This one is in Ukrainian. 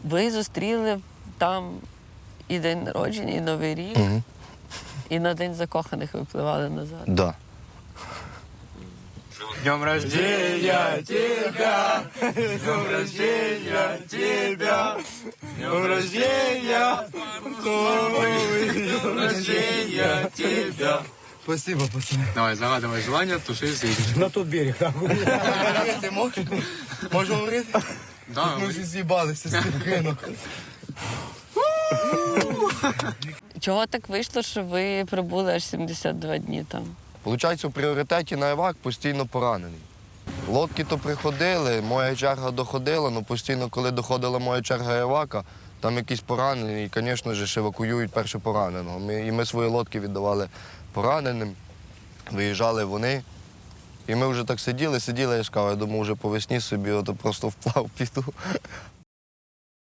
Ви зустріли там і день народження, і Новий рік, і на День закоханих випливали назад. Да. Днем рождения тебя, днем рождения тебя, днем рождения, днем рождения тебя. Спасибо, пацаны. Давай, загадывай желание, туши свечечку. На тот берег, так. Говорити можеш? Можу говорити? Да, Ми вже з'їбалися з цих ринок. Чого так вийшло, що ви пробули аж 72 дні там? Получається, в пріоритеті на івак постійно поранений. Лодки то приходили, моя черга доходила, але постійно, коли доходила моя черга івака, там якісь поранені, і, звісно ж, евакуюють перше пораненого. І ми свої лодки віддавали пораненим, виїжджали вони. І ми вже так сиділи, я ж кажу, я думаю, вже по весні собі просто вплав піду.